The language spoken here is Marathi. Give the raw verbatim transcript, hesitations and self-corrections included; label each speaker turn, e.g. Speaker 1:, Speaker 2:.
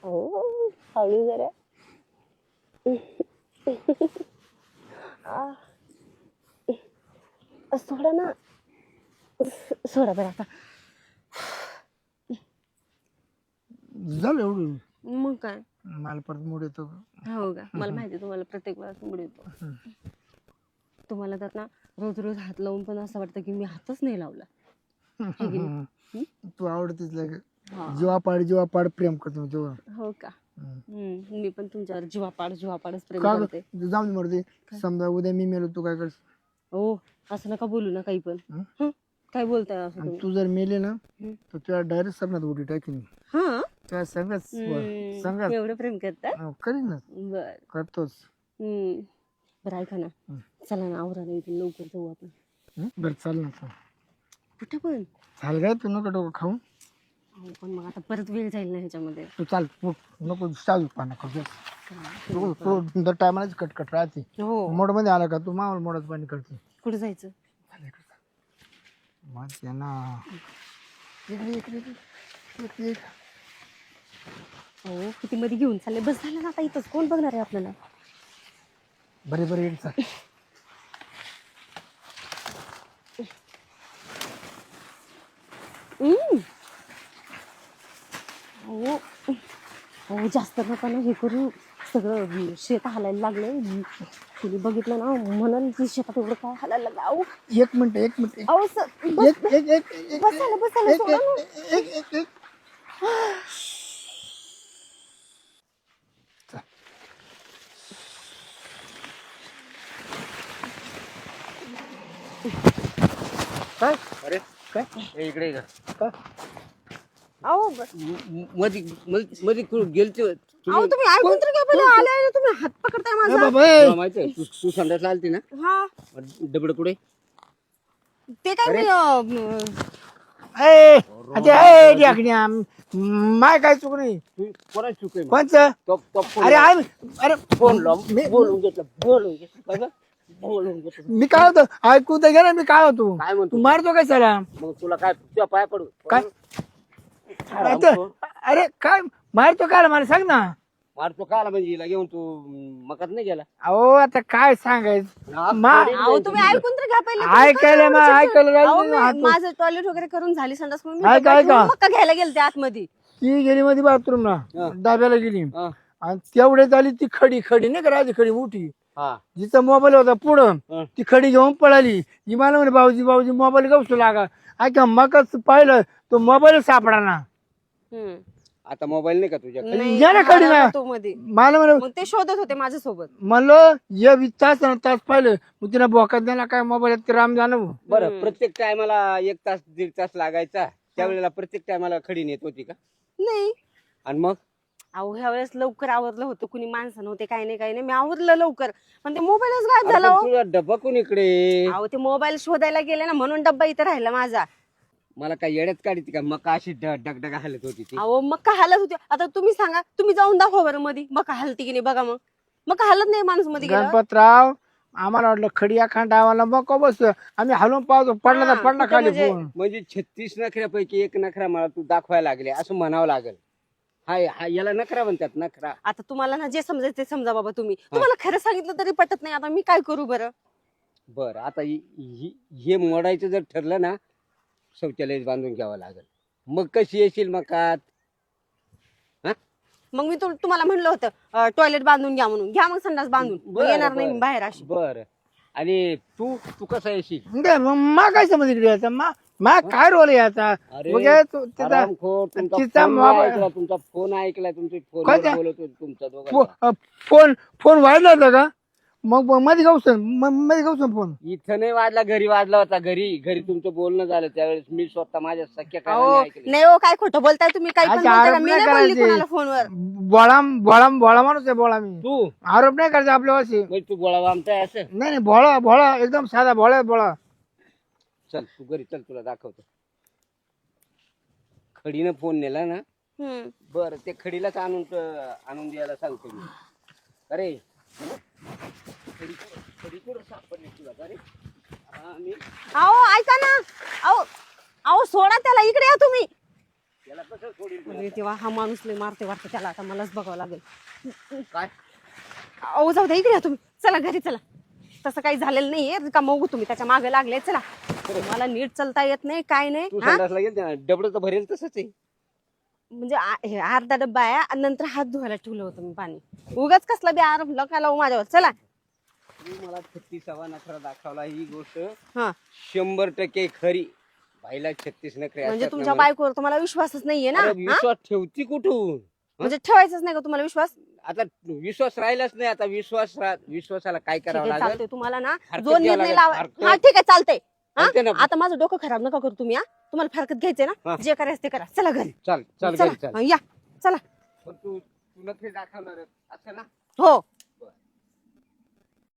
Speaker 1: हो हळू जरा. आ, सोडा ना, सोडा बरं आता.
Speaker 2: झालं एवढं.
Speaker 1: मग काय.
Speaker 2: मला परत मूड येतो.
Speaker 1: हो का, मला माहिती तुम्हाला प्रत्येक वेळेस मूड येतो. तुम्हाला तर ना रोज रोज हात लावून पण असं वाटतं की मी हातच नाही लावला. है की नाही?
Speaker 2: तू आवडतीच लाग.
Speaker 1: हा.
Speaker 2: जीवापाड जीवापाड प्रेम करतो तेव्हा.
Speaker 1: हो का. हम्म, मी पण तुमच्यावर जीवापाड जीवापाडच प्रेम
Speaker 2: का
Speaker 1: करते.
Speaker 2: ग? जाऊन दे मरते. समजा उद्या मी मेलो तू काय करस?
Speaker 1: हो, असं नका बोलू ना काही पण.
Speaker 2: हं?
Speaker 1: हं? काय बोलताय असं
Speaker 2: आणि
Speaker 1: तुम्ही?
Speaker 2: तू जर मेले ना
Speaker 1: हं.
Speaker 2: तर तुला डायरेक्ट सरणात उडी टाकीन.
Speaker 1: हा,
Speaker 2: त्या संगत संगत
Speaker 1: एवढं प्रेम करता?
Speaker 2: करीन ना.
Speaker 1: बर.
Speaker 2: करतोच.
Speaker 1: हम्म, बरं ऐका ना,
Speaker 2: हं.
Speaker 1: चला ना आवरा नाही इथून लवकर जाऊ आपण.
Speaker 2: हं? बरं चाल ना.
Speaker 1: कुठे पण?
Speaker 2: चाल काय तू नको डोकं खाऊ.
Speaker 1: अहो, पण मग आता परत वेळ जाईल ना ह्याच्यामध्ये.
Speaker 2: तू चाल उठ. नको चालू पाना करतो. तू दर टायमालाच कटकट राहते.
Speaker 1: हो.
Speaker 2: मोड मध्ये आला का तू मावळ मोडात पाणी करते.
Speaker 1: कुठे जायचं?
Speaker 2: मग त्यांना इकडे इकडे इकडे इकडे.
Speaker 1: हो, किती मध्ये घेऊन चालले. बस झालं ना आता, इथंच कोण बघणार आहे आपल्याला.
Speaker 2: बरे बरे येईल चाल.
Speaker 1: हम्म. हो हो, जास्त नका ना हे करू. सगळं शेत हालायला लागलं. तुम्ही बघितलं ना म्हणाल की शेतात एवढं काय हालायला लागलं. अहो
Speaker 2: एक मिनिट एक मिनिट
Speaker 1: अहो सर, बस
Speaker 2: एक एक एक एक
Speaker 1: बसायला बसायला सोडा ना.
Speaker 2: एक एक एक काय
Speaker 3: अरे
Speaker 2: काय
Speaker 3: ए, इकडे ये
Speaker 2: काय
Speaker 1: अहो ब-
Speaker 3: ग. मधी मधी मधी कुठं गेलते
Speaker 1: अहो तुम्ही ऐकून तर घ्या पहिले. आले तुम्ही हात पकडताय
Speaker 2: ए
Speaker 1: माझा.
Speaker 2: बाबा ए.
Speaker 3: तुला माहिती आहे तू तू संडासला आलती ना
Speaker 1: हा,
Speaker 3: डबड कुठे
Speaker 1: ते काय मी अं,
Speaker 2: ए अच्छा ए ढाकण्या माय काय चूक नाही.
Speaker 3: तू कोणाची चूक आहे मग?
Speaker 2: पंच
Speaker 3: तो तो फोन
Speaker 2: अरे आय अरे
Speaker 3: फोन लाव
Speaker 2: मी
Speaker 3: बोलून घेतलं बोलून घेतलं काय गं? बोलून घेतलं
Speaker 2: मी काय होतो ऐकू तर घे ना. मी काय होतो
Speaker 3: काय म्हणतो
Speaker 2: तू मारतो काय सला
Speaker 3: मग तुला काय तुझ्या पाय पडू
Speaker 2: काय
Speaker 3: मारतो
Speaker 2: अरे काय मारतो काय मला सांग ना.
Speaker 3: मारतो काला म्हणजे हिला घेऊन तू मकात नाही गेला
Speaker 2: अहो आता काय सांगायचं
Speaker 3: हा,
Speaker 2: मा-
Speaker 3: थोडी
Speaker 1: अहो तुम्ही ऐकून तर घ्या पहिले. तुम्ही
Speaker 2: ऐकायला
Speaker 1: काय
Speaker 2: मग
Speaker 1: एवढं
Speaker 2: ऐकायला
Speaker 1: चिडचिड- अहो,
Speaker 2: राहिलं
Speaker 1: मी-
Speaker 2: ना.
Speaker 1: माझं टॉयलेट वगैरे करून झाली संडास म्हणून मी
Speaker 2: ऐका,
Speaker 1: डब्यात
Speaker 2: ऐका.
Speaker 1: ठेवून मक्का घ्यायला गेलते आतमध्ये.
Speaker 2: ती गेली मध्ये बाथरूमला
Speaker 3: हा.
Speaker 2: डाब्याला गेली
Speaker 3: हा,
Speaker 2: आणि तेवढ्यात आली ती खडी खडी नाही का राहते खडी मोठी
Speaker 3: हा
Speaker 2: जिचा मोबाईल होता पुढं
Speaker 3: हा.
Speaker 2: ती खडी घेऊन पळाली. ही मला म्हणे भाऊजी भाऊजी मोबाईल गवसू लागा. ऐका मगच पाहिलं तो मोबाईल सापडा ना.
Speaker 1: हम्म.
Speaker 3: आता मोबाईल नाही का तुझ्याकडे
Speaker 1: नाही,
Speaker 2: या ना खडी ना.
Speaker 1: हरवला तो मध्ये.
Speaker 2: मला म्हणे
Speaker 1: मग ते शोधत होते माझ्यासोबत.
Speaker 2: म्हणलं ये वीस तास आणि तास पाहिलं मग तिला बोकात द्यायला काय मोबाईल राम जाणं.
Speaker 3: बरं प्रत्येक टायमाला एक तास दीड तास लागायचा त्यावेळेला प्रत्येक टायमाला खडी नेत होती का
Speaker 1: नाही
Speaker 3: आणि मग
Speaker 1: अहो ह्या वेळेस लवकर आवरलं होतं. कुणी माणसं नव्हते काही नाही काही नाही. मी आवरलं लवकर पण ते मोबाईलच गायब
Speaker 3: अरे
Speaker 1: झाला.
Speaker 3: पण
Speaker 1: हो.
Speaker 3: तुझा डब्बा कोण इकडे
Speaker 1: अहो ते मोबाईल शोधायला गेले ना म्हणून डब्बा इथं राहिला माझा.
Speaker 3: मला काय येड्यात काढती का मग अशी डगडग हालत होती ती
Speaker 1: अहो मग का हालत होती. आता तुम्ही सांगा, तुम्ही जाऊन दाखवा बरं मध्ये मग का हालती की नाही बघा. मग मग का हालत नाही माणूस मध्ये गेला.
Speaker 2: गणपतराव आम्हाला वाटलं खडी अखांड आम्हाला मग बस आम्ही हलवून पाहतो पडला तर
Speaker 1: हा,
Speaker 2: पडला
Speaker 1: कुठं
Speaker 2: खाली
Speaker 1: म्हणजे-
Speaker 2: फोन.
Speaker 3: म्हणजे छत्तीस नखऱ्यापैकी एक नखरा मला तू दाखवायला लागले असं म्हणावं लागेल. हाय हा याला नखरा म्हणतात नखरा.
Speaker 1: आता तुम्हाला ना जे समजायचं ते समजा बाबा. तुम्ही तुम्हाला खरं सांगितलं तरी पटत नाही. आता मी काय करू बरं.
Speaker 3: बर आता हि- हि- हे मोडायचं जर ठरलं ना शौचालय बांधून घ्यावं लागेल. मग कशी येशील मग आत?
Speaker 1: मग मी तु- तुम्हाला म्हणलं होतं टॉयलेट बांधून घ्या म्हणून. घ्या मग संडास बांधून. मग
Speaker 3: बरं,
Speaker 1: येणार नाही
Speaker 3: बरं.
Speaker 1: मी बाहेर अशी.
Speaker 3: बर आणि तू तू कसा येशील
Speaker 2: दे, मग मा काय समज इकडे याचा मा मा काय रोल आहे याचा.
Speaker 3: अरे,
Speaker 2: मग हे तू- त्याचा
Speaker 3: हरामखोर, तुमचा
Speaker 2: तिचा
Speaker 3: फोन
Speaker 2: मोबाईल-
Speaker 3: ऐकला तुमचा फोन ऐकला तुमची
Speaker 2: काय
Speaker 3: फोन
Speaker 2: ते?
Speaker 3: बोलत होते तुमचा दोघांचा.
Speaker 2: फो- अ, फोन फोन वाढला होता का मग मग मध्ये गावसन मध्ये गावसन फोन.
Speaker 3: इथं नाही वाजला घरी वाजला होता. घरी घरी तुमचं बोलणं झालं त्यावेळेस मी स्वतः माझ्या सख्या
Speaker 1: अहो
Speaker 3: कानाने ऐकलं.
Speaker 1: नाही हो, काय खोटं बोलताय तुम्ही. काही पण
Speaker 2: अच्छा,
Speaker 1: बोलताय का?
Speaker 2: आरोप
Speaker 1: मी
Speaker 2: नाही
Speaker 1: नाही बोलली
Speaker 2: करायचे.
Speaker 1: कोणाला फोनवर.
Speaker 2: बोळा बोळा बोळा माणूस आहे बोळा मी.
Speaker 3: तू
Speaker 2: आरोप नाही करायचा आपल्या वर्षी.
Speaker 3: म्हणजे तू गोळा आमचा आहे असं.
Speaker 2: नाही नाही भोळा भोळा एकदम साधा भोळा आहे, भोळा.
Speaker 3: चल तू घरी चल तुला दाखवतो. खडीनं फोन नेला ना
Speaker 1: हम्म.
Speaker 3: बर ते खडीलाच आणून आणून द्यायला सांगतो मी. अरे खडी खडी कुठं सापडली तुला का रे? हा, मी
Speaker 1: अहो ऐका ना. अहो अहो सोडा त्याला. इकडे या तुम्ही.
Speaker 3: त्याला कसं सोडील तुला?
Speaker 1: अरे तेव्हा हा माणूस लय मारते वाटतं त्याला, आता मलाच बघावं लागेल.
Speaker 3: काय
Speaker 1: अहो जाऊ द्या, इकडे या तुम्ही, चला घरी चला. तसं काही झालेलं नाहीये का, मग तुम्ही त्याच्या मागे लागले. चला, मला नीट चालता येत नाही काय नाही.
Speaker 3: तू
Speaker 1: हा?
Speaker 3: संडासला गेल डबडं तर भरेल तसंच आहे.
Speaker 1: म्हणजे आ- हे अर्धा डब्बा आहे आणि नंतर हात धुवायला ठेवलं होतं मी पाणी. उगाच कसला बी आरोप नका लावू माझ्यावर. चला.
Speaker 3: तू मला छत्तीसावा नखरा दाखवला, ही गोष्ट
Speaker 1: हा,
Speaker 3: शंभर टक्के खरी. बाईला छत्तीस नखरे
Speaker 1: म्हणजे
Speaker 3: असतात
Speaker 1: तुमच्या
Speaker 3: ना म्हणा.
Speaker 1: बायकोवर तुम्हाला विश्वासच नाहीये ना.
Speaker 3: अरे
Speaker 1: हा?
Speaker 3: विश्वास ठेवती कुठून?
Speaker 1: म्हणजे ठेवायचाच नाही का तुम्हाला विश्वास?
Speaker 3: आता विश्वास राहिलाच नाही. आता विश्वास रा- विश्वासाला काय
Speaker 1: ठीक
Speaker 3: करावं
Speaker 1: आहे,
Speaker 3: लागेल?
Speaker 1: चालतंय. तुम्हाला ना
Speaker 3: हरकत
Speaker 1: जो
Speaker 3: घ्यावं
Speaker 1: निर्णय
Speaker 3: लागेल,
Speaker 1: लावा.
Speaker 3: हरकत.
Speaker 1: हा ठीक आहे, चालतंय. हा?
Speaker 3: चालतंय ना?
Speaker 1: आता माझं डोकं खराब नका करू तुम्ही. हा, तुम्हाला फरकत घ्यायचंय ना,
Speaker 3: हा.
Speaker 1: जे करायचं ते करा. चला घरी.
Speaker 3: चाल चाल घरी
Speaker 1: चला
Speaker 3: चाल.
Speaker 1: हा, या चला.
Speaker 3: पण तू तू नखरे दाखवणार असं ना?
Speaker 1: हो.